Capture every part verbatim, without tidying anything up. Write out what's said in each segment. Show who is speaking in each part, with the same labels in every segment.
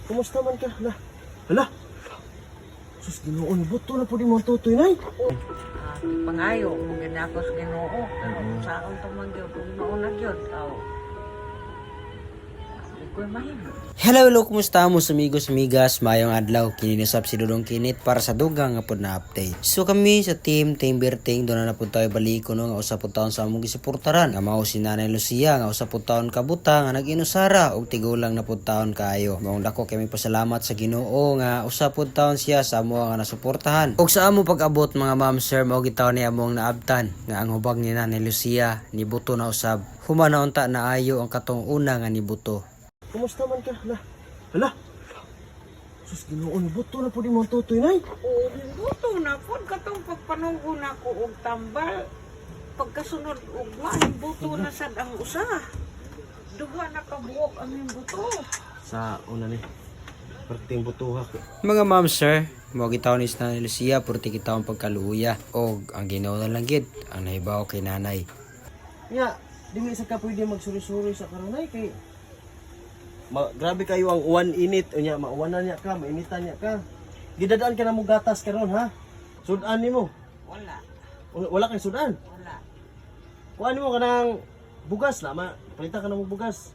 Speaker 1: Kumusta man ka? Hala. Hala. Sus, Ginoo ni buto na pud imong tutoy nay.
Speaker 2: Ah, pangayo, kung ginakos ginoo. Pero sa akong tumanggyo, kung mauna gyud aw. Di ko mahimo.
Speaker 3: Hello, hello, kumusta mo amigos, amigas, mayong adlaw, kininusap si Dudong Kinit para sa dugang nga pod na update. So kami sa team, team Berting, doon na na po tayo baliko no, nga usap po taon sa among gisuportaran. Nga mao si Nanay Lucia, nga usap po taon kabuta, nga nag-inusara, og tigulang na po taon kaayo. Maong dako kami pasalamat sa Ginoo nga usap po taon siya sa amo nga nasuportahan. Og sa amo pag-abot mga ma'am sir, mao gitaon ni among naabtan, nga ang hubag ni Nanay Lucia, ni buto na usab. Humana unta na ayo ang katong una nga ni buto.
Speaker 1: Kumusta man ka? Hala. Hala. Sus, Ginoo ni buto na pud imong tutoy nay.
Speaker 2: Oo, buto na po. Katong pagpanunggo na ko og tambal. Pagkasunod og man, buto na sad ang usa. Duha na kabuok ang yung buto.
Speaker 1: Sa una ni. Perting butuha ko.
Speaker 3: Mga ma'am sir, mao gitaon ni Nanay Lucia purti gitaon pagkaluya og ang Ginoo na lang gid ang nahibaw kay nanay.
Speaker 1: Ya, dili sa ka pwede magsuri-suri sa karon nay kay Ma, grabe kayo ang uwan init unya mauwanan niya ka, mainitan niya ka. Gidadaan ka na mo gatas karon ha. Sudan nimo.
Speaker 2: Wala.
Speaker 1: Wala, wala kay sudan.
Speaker 2: Wala.
Speaker 1: Kuan mo kanang bugas na ma, palitan ka na mo bugas.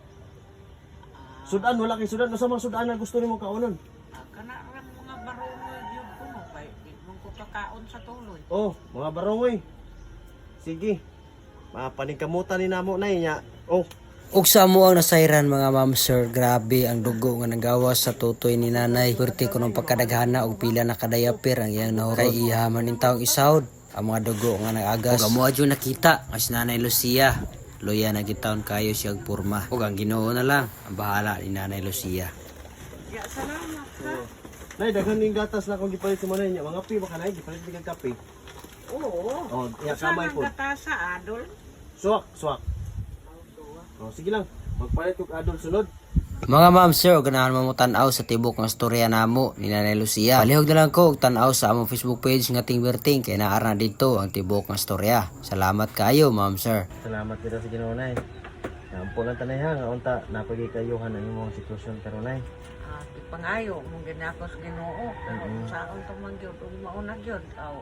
Speaker 1: Sudan wala kay sudan, usa man sudan na gusto nimo kaunon.
Speaker 2: Ah, kana ra mga barongoy gyud ko no kay di mong ko kakaon sa tuloy.
Speaker 1: Oh, mga barongoy. Sige. Mapaningkamutan ni namo nay nya. Oh,
Speaker 3: Ug sa amo ang nasayran mga ma'am sir, grabe ang dugo nga nagawas sa tutoy ni nanay. Purti kuno pagkadaghana og pila na kadayapir ang iyang nahurot. Kay ihaman ning taong isawd ang mga dugo nga nagagas. Ug amo adyo nakita as Nanay Lucia. Loya na gitaon kayo siyang porma. Ug ang Ginoo na lang ang bahala ni Nanay Lucia.
Speaker 2: Ya salamat ha.
Speaker 1: nay daghan ning gatas na kung gipalit mo nay nya. Mga pi baka nay gipalit bigyan kape.
Speaker 2: Oo.
Speaker 1: Oh, ya
Speaker 2: Saan
Speaker 1: kamay
Speaker 2: ang
Speaker 1: po.
Speaker 2: gatasa, Adol?
Speaker 1: Swak, swak. Oh, sige lang. Magpalit kog adol sunod.
Speaker 3: Mga ma'am sir, ganahan mo mo tan-aw sa tibok nga storya namo ni Nanay Lucia. Palihog na lang ko og tan-aw sa among Facebook page nga Ting Berting kay naa na dito ang tibok nga storya. Salamat kayo ma'am sir.
Speaker 1: Salamat kita sa Ginoo nay. Nampo lang tanay ha nga unta napagi kayuhan ang imong sitwasyon karon nay.
Speaker 2: Ah, di pangayo, mong ginakos ginoo. Pero
Speaker 1: Mm.
Speaker 2: sa akong tumanggyo, kung mauna gyud aw.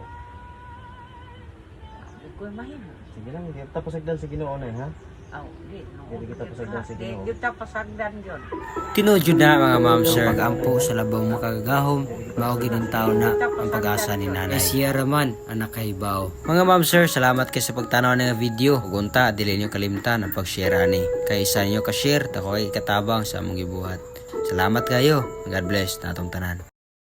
Speaker 2: Di ko mahimo.
Speaker 1: Sige lang, di tapos agdan sa Ginoo nay ha.
Speaker 2: Aw, di. no.
Speaker 1: Di kita pasagdan sa
Speaker 2: Di
Speaker 1: Ginoo.
Speaker 2: gyud ta pasagdan gyud.
Speaker 3: Tinudyo na mga ma'am sir, pag-ampo sa labang makagagahom, mao ginang tao na ang pag-asa ni nanay. Siya raman ang nakahibaw. Mga ma'am sir, salamat kayo sa pagtanaw ng video. Ug unta, dili niyo kalimtan ang pag-share ani. Kay isa niyo ka-share, tako kay katabang sa among gibuhat. Salamat kayo. God bless natong tanan.